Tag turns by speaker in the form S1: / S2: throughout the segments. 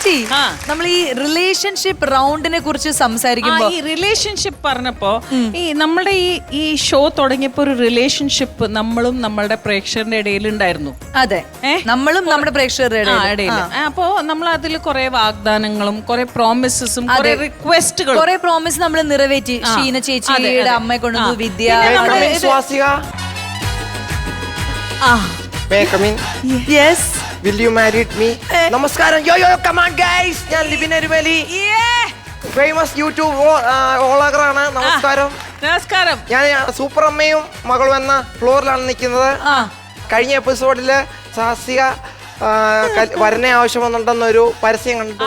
S1: ചേച്ചി നമ്മൾ ഈ റിലേഷൻഷിപ്പ് റൗണ്ടിനെ കുറിച്ച് സംസാരിക്കുമ്പോൾ
S2: ഈ റിലേഷൻഷിപ്പ് പറഞ്ഞപ്പോ ഈ നമ്മുടെ ഈ ഷോ തുടങ്ങിയപ്പോ ഒരു റിലേഷൻഷിപ്പ് നമ്മളും നമ്മളുടെ പ്രേക്ഷകരുടെ ഇടയിൽ ഉണ്ടായിരുന്നു.
S1: അതെ, നമ്മളും നമ്മുടെ പ്രേക്ഷകരുടെ
S2: ഇടയിൽ. അപ്പോ നമ്മൾ അതിൽ കുറെ വാഗ്ദാനങ്ങളും കുറെ പ്രോമിസസും കുറെ റിക്വസ്റ്റുകളും
S1: കുറെ പ്രോമിസ് നമ്മൾ നിറവേറ്റി. ഷീന ചേച്ചിയുടെ അമ്മയെ കൊണ്ടുവന്നു, വിദ്യ.
S3: Will you marry me? നമസ്കാരം. Come on guys. ഞാൻ ലിബിൻ അരുമലി. ഫേമസ് യൂട്യൂബ് വ്ളോഗറാണ്. നമസ്കാരം.
S2: നമസ്കാരം.
S3: ഞാൻ സൂപ്പർ അമ്മയും മകളും എന്ന ഫ്ലോറിലാണ് നിൽക്കുന്നത്. കഴിഞ്ഞ എപ്പിസോഡില് സാഹസിക വരനെ ആവശ്യം വന്നിട്ടുണ്ടെന്നൊരു പരസ്യം കണ്ടിട്ട്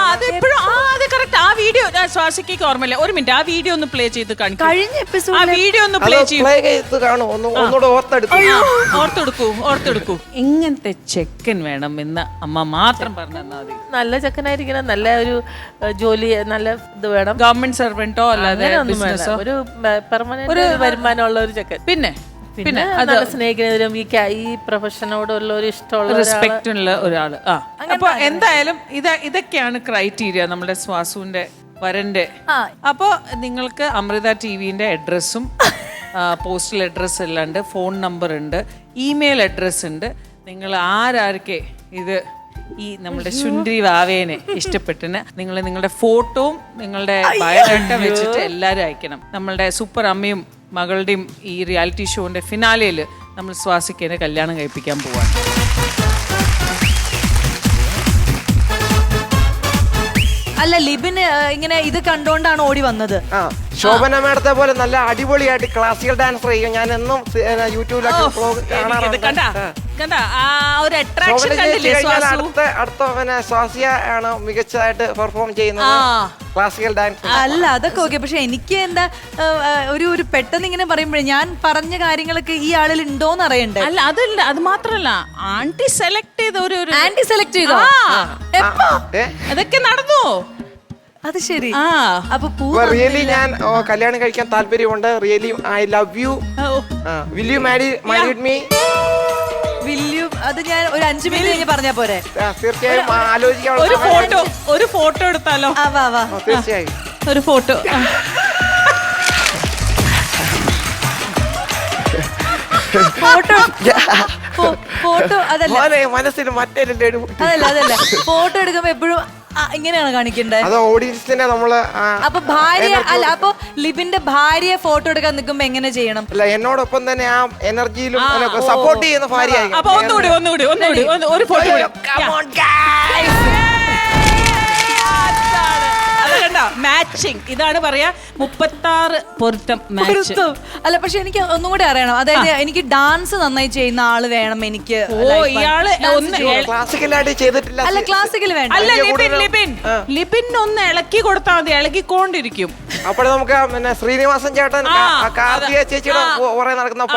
S2: ആ വീഡിയോ ശ്വാസിക്ക് ഓർമ്മയില്ല. ഒരു മിനിറ്റ്, ആ വീഡിയോ ഒന്ന് പ്ലേ ചെയ്ത് കാണിക്കും.
S1: കഴിഞ്ഞ എപ്പിസോഡ്
S2: ആ വീഡിയോ ഒന്ന് പ്ലേ
S3: ചെയ്ത് കാണും. ഒന്നുകൂടെ
S2: ഓർത്തെടുക്കൂ. ഇങ്ങനത്തെ ചെക്കൻ വേണം എന്ന് അമ്മ മാത്രം പറഞ്ഞു തന്നാൽ മതി.
S4: നല്ല ചെക്കനായിരിക്കണം, നല്ല ഒരു ജോലി, നല്ല ഇത് വേണം.
S2: ഗവൺമെന്റ് സർവന്റോ അല്ലാതെ
S4: ഒരു പെർമനന്റ് വരുമാനമുള്ള ഒരു ചെക്കൻ. പിന്നെ നല്ല സ്നേഹിക്കുന്നതിലും ഈ പ്രൊഫഷനോടുള്ള ഒരു ഇഷ്ടമുള്ള
S2: റെസ്പെക്റ്റ് ഉള്ള ഒരാള്. അപ്പൊ എന്തായാലും ഇതൊക്കെയാണ് ക്രൈറ്റീരിയ നമ്മുടെ സ്വാസുവിന്റെ വരന്റെ. അപ്പൊ നിങ്ങൾക്ക് അമൃത ടിവിന്റെ അഡ്രസ്സും പോസ്റ്റൽ അഡ്രസ് എല്ലാം ഉണ്ട്, ഫോൺ നമ്പർ ഉണ്ട്, ഇമെയിൽ അഡ്രസ് ഉണ്ട്. നിങ്ങൾ ആരാർക്കെ ഇത് ഈ നമ്മുടെ ശുണ്ഠി വാവേനെ ഇഷ്ടപ്പെട്ടിന് നിങ്ങൾ നിങ്ങളുടെ ഫോട്ടോവും നിങ്ങളുടെ ബയോഡാറ്റ വെച്ചിട്ട് എല്ലാവരും അയക്കണം. നമ്മളുടെ സൂപ്പർ അമ്മയും മകളുടെയും ഈ റിയാലിറ്റി ഷോന്റെ ഫിനാലയിൽ നമ്മൾ സ്വാസിക്കേനെ കല്യാണം കഴിപ്പിക്കാൻ പോവാണ്.
S1: അല്ല, ലിബിൻ ഇങ്ങനെ ഇത് കണ്ടോണ്ടാണ് ഓടി വന്നത്.
S3: ശോഭന മേഡത്തെ പോലെ നല്ല അടിപൊളിയായിട്ട് ക്ലാസിക്കൽ ഡാൻസർ ചെയ്യും. ഞാൻ എന്നും യൂട്യൂബിലൊക്കെ അടുത്ത സ്വാസിയ ആണ് മികച്ചതായിട്ട് പെർഫോം ചെയ്യുന്നത് ക്ലാസിക്കൽ ഡാൻസ്.
S1: അല്ല, അതൊക്കെ ഓക്കെ. പക്ഷെ എനിക്ക് എന്താ ഒരു പെട്ടെന്ന് ഇങ്ങനെ പറയുമ്പോഴേ ഞാൻ പറഞ്ഞ കാര്യങ്ങളൊക്കെ ഈ ആളിൽ ഉണ്ടോന്ന് അറിയണ്ടേ?
S2: അല്ല, അതല്ല, അത് മാത്രല്ല, ആന്റി സെലക്ട് ചെയ്ത
S1: ആന്റി സെലക്ട് ചെയ്തോ?
S2: അതൊക്കെ നടന്നു.
S1: അത് ശരി. അപ്പൊ
S3: റിയലി ഞാൻ കല്യാണം കഴിക്കാൻ താല്പര്യമുണ്ട്. Really I love you. Will you marry me?
S1: അത് ഞാൻ ഒരു 5 മിനിറ്റ് കഴിഞ്ഞ് പറഞ്ഞാ പോരെ?
S3: തീർച്ചയായും ആലോചിക്കാം.
S2: ഒരു ഫോട്ടോ എടുത്താലോ?
S3: തീർച്ചയായും
S2: ഒരു ഫോട്ടോ.
S1: ഫോട്ടോ അതല്ല,
S3: മനസ്സിന്
S1: അതല്ല ഫോട്ടോ എടുക്കുമ്പോ എപ്പോഴും ഇങ്ങനെയാണ് കാണിക്കണ്ടേ?
S3: അത് ഓഡിയൻസിനെ നമ്മള്.
S1: അപ്പൊ ഭാര്യ അല്ല, അപ്പൊ ലിബിന്റെ ഭാര്യയെ ഫോട്ടോ എടുക്കാൻ നിൽക്കുമ്പോ എങ്ങനെ ചെയ്യണം?
S3: അല്ല, എന്നോടൊപ്പം തന്നെ ആ എനർജിയിലും സപ്പോർട്ട് ചെയ്യുന്ന ഭാര്യ.
S2: അപ്പൊ ഒന്നുകൂടി ഒരു ഫോട്ടോ. മാച്ചിങ് ഇതാണ് പറയാ, 36 പൊരുത്തം മാച്ച്.
S1: അല്ല, പക്ഷെ എനിക്ക് ഒന്നും കൂടി അറിയണം. അതായത് എനിക്ക് ഡാൻസ് നന്നായി ചെയ്യുന്ന ആള് വേണം. എനിക്ക്
S2: ഇയാള്
S3: ക്ലാസിക്കലായിട്ട് ചെയ്തിട്ടില്ല.
S1: അല്ല, ക്ലാസിക്കൽ വേണ്ട.
S2: അല്ല, ലിബിൻ ഒന്ന് ഇളക്കി കൊടുത്താൽ മതി, ഇളക്കിക്കൊണ്ടിരിക്കും.
S3: അപ്പോൾ നമുക്ക് പിന്നെ ശ്രീനിവാസൻ ചേട്ടൻ കാർത്തിക ചേച്ചിയുടെ കുറെ നടക്കുന്ന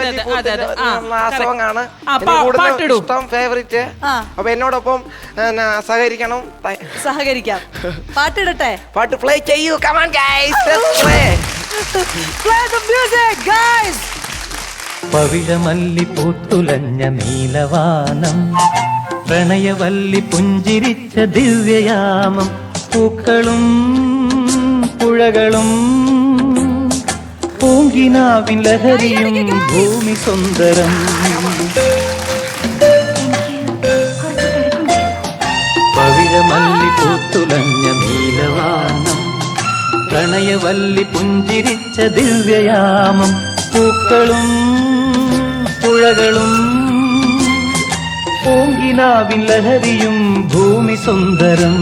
S3: സോങ് ആണ് ഇഷ്ടം, ഫേവറേറ്റ്. അപ്പൊ എന്നോടൊപ്പം സഹകരിക്കണം.
S1: സഹകരിക്കാം. പാട്ടിടട്ടെ?
S3: പാട്ട് പ്ലേ ചെയ്യൂ. Come on guys, let's play.
S1: Play the music guys.
S5: പവിഴമല്ലി പൂത്തുലഞ്ഞ നീലവാനം, പ്രണയവല്ലി പുഞ്ചിരിച്ച ദിവ്യയാമം, പൂക്കളും പുഴകളും പൂങ്കിനാവിൻ ലഹരിയും ഭൂമി സുന്ദരം. പവിഴമല്ലി പൂത്തുലഞ്ഞ നീലവാനം, പ്രണയവല്ലി പുഞ്ചിരിച്ച ദിവ്യയാമം, പൂക്കളും പുഴകളും പൂങ്കിനാവിൻ ലഹരിയും ഭൂമി സുന്ദരം.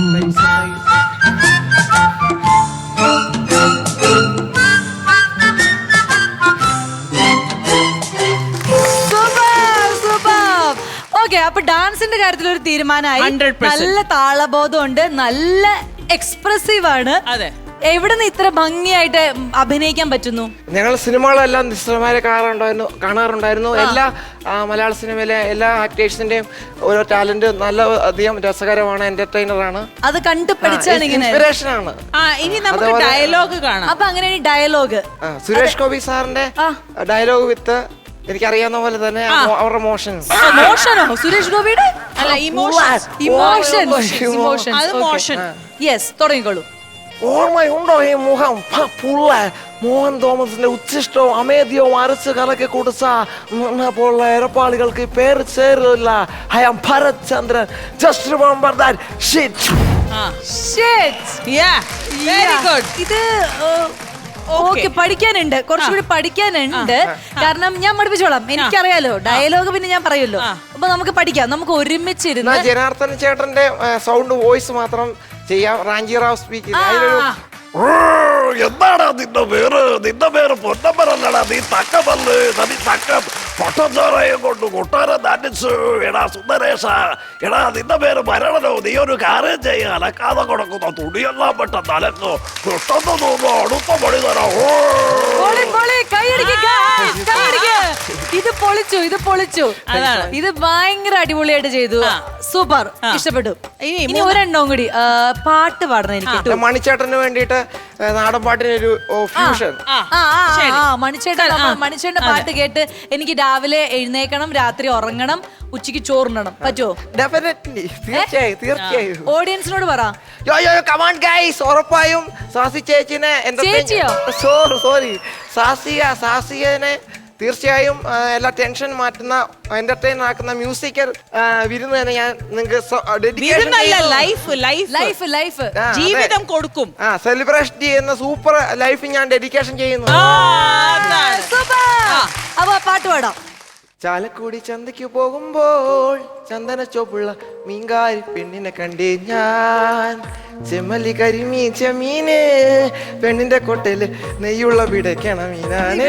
S1: അപ്പൊ ഡാൻസിന്റെ കാര്യത്തിൽ ഒരു തീരുമാനമായി. നല്ല താളബോധമുണ്ട്, നല്ല എക്സ്പ്രസീവ് ആണ്.
S2: അതെ.
S1: എവിടെ നിന്ന് ഇത്ര ഭംഗിയായിട്ട് അഭിനയിക്കാൻ പറ്റുന്നു?
S3: ഞങ്ങൾ സിനിമകളെല്ലാം നിശ്ചലമാരെ കാണാറുണ്ടായിരുന്നു. എല്ലാ മലയാള സിനിമയിലെ എല്ലാ ആക്ടേഴ്സിന്റെയും ഓരോ ടാലന്റ് നല്ല അധികം രസകരമാണ്, എന്റർടൈനറാണ്.
S1: അത് കണ്ടു പഠിച്ചാണ് ഇങ്ങനെ
S3: ഇൻസ്പിറേഷൻ ആണ്.
S2: ഇനി നമുക്ക് ഡയലോഗ് കാണാം.
S1: അപ്പൊ അങ്ങനെ ഡയലോഗ്
S3: സുരേഷ് ഗോപി സാറിന്റെ ഡയലോഗ് വിത്ത് എനിക്കറിയാവുന്ന പോലെ തന്നെ അവരുടെ മോഷനോ
S1: സുരേഷ് ഗോപിയുടെ
S2: അല്ല ഇമോഷൻസ്
S1: ഇമോഷൻസ്
S2: അത് മോഷൻ
S1: യെസ് തുടങ്ങിക്കോളൂ.
S3: ഓർമ്മയുണ്ടോ ഈ മുഖം പുള്ള മോഹൻ തോമസിന്റെ ഉച്ചിഷ്ടവും അമേദ്യവും അരച്ച് കലക്കി കുടിച്ച പോലുള്ള ഇരപ്പാളികൾക്ക് പേര് ചേരില്ല. I am Bharat Chandran. Just remember that shit.
S2: Very good.
S1: ഇത് ഓക്കെ പഠിക്കാനുണ്ട്, കുറച്ചുകൂടി പഠിക്കാനുണ്ട്. കാരണം ഞാൻ പഠിപ്പിച്ചോളാം, എനിക്കറിയാലോ ഡയലോഗ്, പിന്നെ ഞാൻ പറയുമല്ലോ. അപ്പൊ നമുക്ക് പഠിക്കാം, നമുക്ക് ഒരുമിച്ചിരുന്ന്.
S3: ജനാർദ്ദൻ ചേട്ടന്റെ സൗണ്ട് വോയിസ് മാത്രം ചെയ്യാം. റാഞ്ചി റാവ് സ്പീക്ക്.
S6: എന്താണ് നിന്റെ പേര് പൊന്നപ്പനല്ലടാ, നീ തക്കമല്ല് നദി തക്കം പൊട്ടച്ചോറയും കൊണ്ട് കൊട്ടാരം നടിച്ചു. എടാ സുന്ദരേശ, എടാ നിന്റെ പേര് മരണനോ, നീ ഒരു കാര്യം ചെയ്യ, അലക്കാതെ കൊടുക്കുന്ന തുണിയെല്ലാം പെട്ടെന്ന് അലക്കോ, പെട്ടെന്ന് തോന്നോ, അടുത്ത പണി തരാം.
S1: ഇത് പൊളിച്ചു, ഇത് പൊളിച്ചു. ഇത് ഭയങ്കര അടിപൊളിയായിട്ട് ചെയ്തു. സൂപ്പർ, ഇഷ്ടപ്പെട്ടു. ഇനി ഒരെണ്ണം കൂടി പാട്ട് പാടണം എനിക്ക്.
S3: മണിച്ചേട്ടന് വേണ്ടിയിട്ട് നാടൻ പാട്ടിനൊരു ഫ്യൂഷൻ.
S1: മണിച്ചേട്ടന്റെ പാട്ട് കേട്ട് എനിക്ക് രാവിലെ എഴുന്നേക്കണം, രാത്രി ഉറങ്ങണം, ഉച്ചക്ക് ചോറുണ്ണണം. പറ്റുമോ?
S3: ഡെഫിനറ്റ്ലി, തീർച്ചയായും തീർച്ചയായും.
S1: ഓഡിയൻസിനോട് പറ.
S3: കമാൺ ഗൈസ്, ഉറപ്പായും സാസി ചേച്ചിനെ സോറി സാസികനെ തീർച്ചയായും എല്ലാ ടെൻഷൻ മാറ്റുന്ന എന്റർടൈൻ ആക്കുന്ന മ്യൂസിക്കൽ വിരുന്ന് തന്നെ ഞാൻ
S2: ലൈഫ് ജീവിതം കൊടുക്കും.
S3: സെലിബ്രേഷൻ ചെയ്യുന്ന സൂപ്പർ ലൈഫ് ഞാൻ ഡെഡിക്കേഷൻ ചെയ്യുന്നു.
S1: അപ്പൊ പാട്ട് പാടാം.
S3: ചാലക്കുടി ചന്തയ്ക്ക് പോകുമ്പോൾ ചന്ദന ചോപ്പുള്ള മീൻകാരി പെണ്ണിനെ കണ്ടേ ഞാൻ. ചെമ്മല്ലി കരിമീൻ ചെമ്മീന് പെണ്ണിന്റെ കൊട്ടയില് നെയ്യുള്ള പിടയ്ക്കണ മീനാണ്.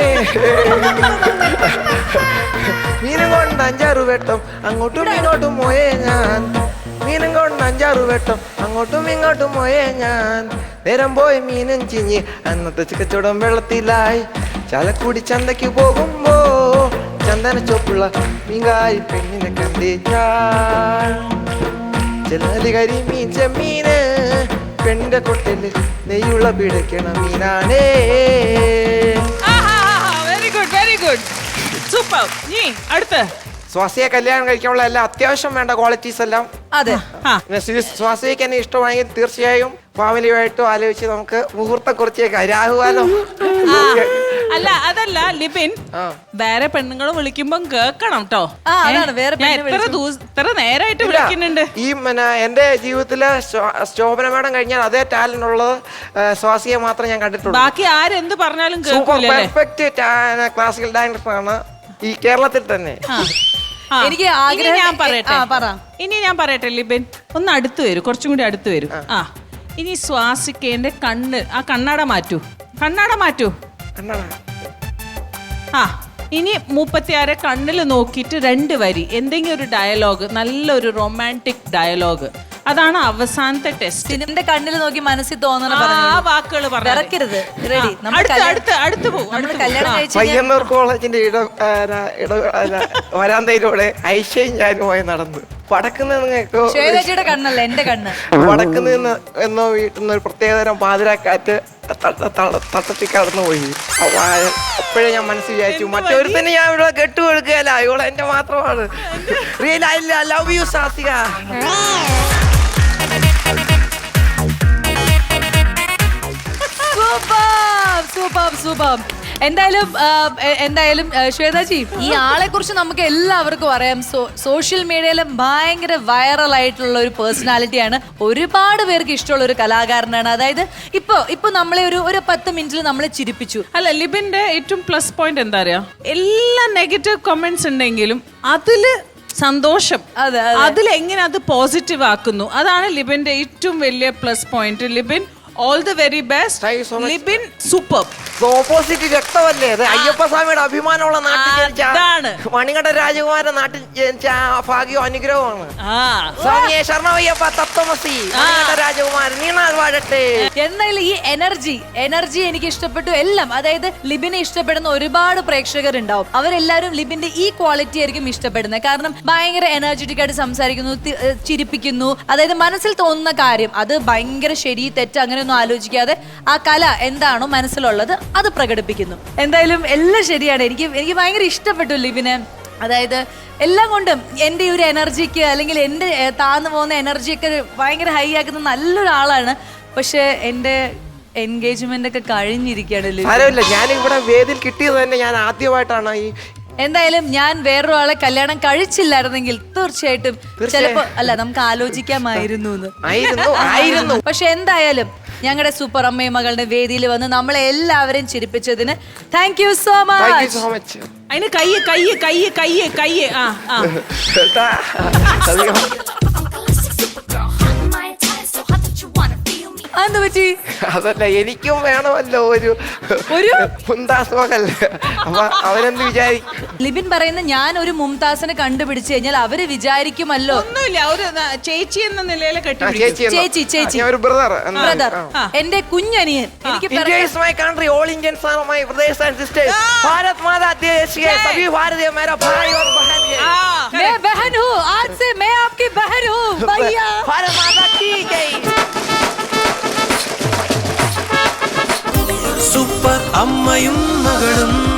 S3: മീനും കൊണ്ട് 5-6 വെട്ടം അങ്ങോട്ടും ഇങ്ങോട്ടും പോയേ ഞാൻ. മീനും കൊണ്ട് 5-6 വെട്ടം അങ്ങോട്ടും ഇങ്ങോട്ടും പോയേ ഞാൻ. നേരം പോയി മീനും ചിഞ്ഞ് അന്നത്തെ കച്ചവടം വെള്ളത്തിലായി. ചാലക്കുടി ചന്തയ്ക്ക് പോകുമ്പോ ചന്ദന ചോപ്പുള്ള മീൻകാരി പെണ്ണിനെ കണ്ടേ ഞാൻ. ചെല്ലി കരിമീൻ ചെമ്മീന് പെണ്ണിന്റെ കൊട്ടല് നെയ്യുള്ള പിടയ്ക്കണ മീനാണേ.
S2: Very good, very good, super. നീ അടുത്ത
S3: സ്വാസിയെ കല്യാണം കഴിക്കാനുള്ള എല്ലാ അത്യാവശ്യം വേണ്ട ക്വാളിറ്റീസ് എല്ലാം.
S1: അതെ,
S3: സ്വാസിക്ക് എന്നെ ഇഷ്ടമാണെങ്കിൽ തീർച്ചയായും ഫാമിലിയുമായിട്ടും ആലോചിച്ച് നമുക്ക് മുഹൂർത്തം കുറിച്ചേക്കാം. രാഹുകാലം
S2: അല്ല, അതല്ല ലിബിൻ, വേറെ പെണ്ണുങ്ങൾ വിളിക്കുമ്പോ കേക്കണം കേട്ടോ. ഇത്ര നേരായിട്ട് വിളിക്കുന്നുണ്ട്.
S3: ഈ എന്റെ ജീവിതത്തില് ശോഭന മേഡം കഴിഞ്ഞാൽ അതേ ടാലന്റ് ഉള്ളത് സ്വാസിയെ മാത്രം ഞാൻ കണ്ടിട്ടുള്ളൂ.
S2: ബാക്കി ആരെന്ത് പറഞ്ഞാലും
S3: സൂപ്പർ പെർഫെക്റ്റ് ക്ലാസിക്കൽ ഡാൻസർ ആണ് ഈ കേരളത്തിൽ തന്നെ.
S1: എനിക്ക്
S2: ഞാൻ പറയട്ടെ ലിബിൻ, ഒന്ന് അടുത്ത് വരും, കുറച്ചും കൂടി അടുത്ത് വരും. ഇനി സ്വാസിക്കേന്റെ കണ്ണ്, ആ കണ്ണാട മാറ്റൂ. ഇനി 36 കണ്ണിൽ നോക്കിയിട്ട് 2 വരി എന്തെങ്കിലും ഒരു ഡയലോഗ്, നല്ലൊരു റൊമാൻറ്റിക് ഡയലോഗ്. അതാണ് അവസാനത്തെ ടെസ്റ്റ്.
S1: നിന്റെ കണ്ണിൽ നോക്കി മനസ്സിൽ തോന്നണ
S2: വാക്കുകൾ
S1: ഇറക്കരുത്. റെഡി?
S2: അടുത്ത് പോകും.
S1: കല്യാണം കഴിച്ച്
S3: പയ്യന്നൂർ കോളേജിന്റെ വരാന്തയിലൂടെ ഐഷയും ഞാനുമായി നടന്നു.
S1: ശ്വേതജിയുടെ കണ്ണല്ല, എന്റെ കണ്ണ്.
S3: വടക്ക് നിന്ന് എന്നോ വീട്ടിൽ നിന്ന് ഒരു പ്രത്യേകതരം പാതിരാക്കാറ്റ് തട്ടത്തി കടന്നു പോയി. അപ്പോഴേ ഞാൻ മനസ്സിൽ വിചാരിച്ചു, മറ്റൊരുത്തന്നെ ഞാൻ ഇവിടെ കെട്ടുകൊടുക്കുകയല്ല, ഇവിടെ എന്റെ മാത്രമാണ്. Real I love you Sasika.
S1: Super. എന്തായാലും ശ്വേതാജി, ഈ ആളെ കുറിച്ച് നമുക്ക് എല്ലാവർക്കും അറിയാം. സോഷ്യൽ മീഡിയയിൽ ഭയങ്കര വൈറൽ ആയിട്ടുള്ള ഒരു പേഴ്സണാലിറ്റിയാണ്. ഒരുപാട് പേർക്ക് ഇഷ്ടമുള്ള ഒരു കലാകാരനാണ്. അതായത് ഇപ്പൊ നമ്മളെ ഒരു 10 മിനിറ്റിൽ നമ്മളെ ചിരിപ്പിച്ചു.
S2: അല്ല, ലിബിന്റെ ഏറ്റവും പ്ലസ് പോയിന്റ് എന്താ അറിയാ, എല്ലാ നെഗറ്റീവ് കമന്റ്സ് ഉണ്ടെങ്കിലും അതില് സന്തോഷം, അതിലെങ്ങനെ അത് പോസിറ്റീവ് ആക്കുന്നു, അതാണ് ലിബിന്റെ ഏറ്റവും വലിയ plus point. Libin, all the very best. Libin super.
S3: Opposite രക്തമല്ലേ അത്. അയ്യപ്പസ്വാമിയുടെ അഭിമാനമുള്ള നാട്ടിൽ ജനിച്ച മണികണ്ഠ രാജകുമാരൻ നാട്ടിൽ ജനിച്ച ഭാഗ്യവും അനുഗ്രഹമാണ്. സ്വാമിയെ ശരണമയ്യപ്പ തത്വമസി മണികണ്ഠ രാജകുമാരൻ നീണാൾ വാഴട്ടെ.
S1: എന്തായാലും ഈ എനർജി എനിക്ക് ഇഷ്ടപ്പെട്ടു എല്ലാം. അതായത് ലിബിനെ ഇഷ്ടപ്പെടുന്ന ഒരുപാട് പ്രേക്ഷകർ ഉണ്ടാവും. അവരെല്ലാവരും ലിബിന്റെ ഈ ക്വാളിറ്റി ആയിരിക്കും ഇഷ്ടപ്പെടുന്നത്. കാരണം ഭയങ്കര എനർജറ്റിക് ആയിട്ട് സംസാരിക്കുന്നു, ചിരിപ്പിക്കുന്നു. അതായത് മനസ്സിൽ തോന്നുന്ന കാര്യം അത് ഭയങ്കര ശരി തെറ്റ് അങ്ങനെയൊന്നും ആലോചിക്കാതെ ആ കല എന്താണോ മനസ്സിലുള്ളത് അത് പ്രകടിപ്പിക്കുന്നു. എന്തായാലും എല്ലാം ശരിയാണ്. എനിക്ക് ഭയങ്കര ഇഷ്ടപ്പെട്ടു ലിബിനെ. അതായത് എല്ലാം കൊണ്ടും എൻ്റെ ഈ ഒരു എനർജിക്ക് അല്ലെങ്കിൽ എൻ്റെ താന്നു പോകുന്ന എനർജിയൊക്കെ ഭയങ്കര ഹൈ ആക്കുന്ന നല്ലൊരാളാണ്. പക്ഷെ എൻ്റെ എൻഗേജ്മെന്റ് ഒക്കെ കഴിഞ്ഞിരിക്കുകയാണ്.
S3: സാരമില്ല, ഞാൻ ഇവിടെ വേദിയിൽ കിട്ടിയത് തന്നെ ഞാൻ ആദ്യമായിട്ടാണ് ഈ.
S1: എന്തായാലും ഞാൻ വേറൊരാളെ കല്യാണം കഴിച്ചില്ലായിരുന്നെങ്കിൽ തീർച്ചയായിട്ടും ചിലപ്പോ അല്ല നമുക്ക് ആലോചിക്കാമായിരുന്നു. പക്ഷെ എന്തായാലും ഞങ്ങളുടെ സൂപ്പർ അമ്മയും മകളുടെ വേദിയിൽ വന്ന് നമ്മളെ എല്ലാവരെയും ചിരിപ്പിച്ചതിന് താങ്ക് യു സോ മച്ച്.
S2: അതിന് കയ്യ് കയ്യ് കയ്യ് കയ്യ് കയ്യ്
S1: അതെന്ത് പറ്റി?
S3: അതല്ല, എനിക്കും വേണമല്ലോ ഒരു മുംതാസ് മകൾ. അപ്പൊ അവരെന്ത് വിചാരിക്കും?
S1: ലിബിൻ പറയുന്ന ഞാൻ ഒരു മുംതാസിനെ കണ്ടുപിടിച്ചു കഴിഞ്ഞാൽ അവര് വിചാരിക്കുമല്ലോ.
S2: ഒന്നുമില്ല, ഒരു ചേച്ചി എന്ന നിലയിൽ
S1: ചേച്ചി
S3: ഒരു ബ്രദർ.
S1: എന്റെ കുഞ്ഞനിയൻ. എനിക്ക്
S3: India is my country, all Indians are my brothers and sisters. Bharat माता देश के सभी भारतीय मेरा भाई और बहन है.
S1: मैं बहन हूँ, आज से मैं आपकी बहन हूँ भैया.
S3: भारत माता की जय.
S5: സൂപ്പർ അമ്മയും മകളും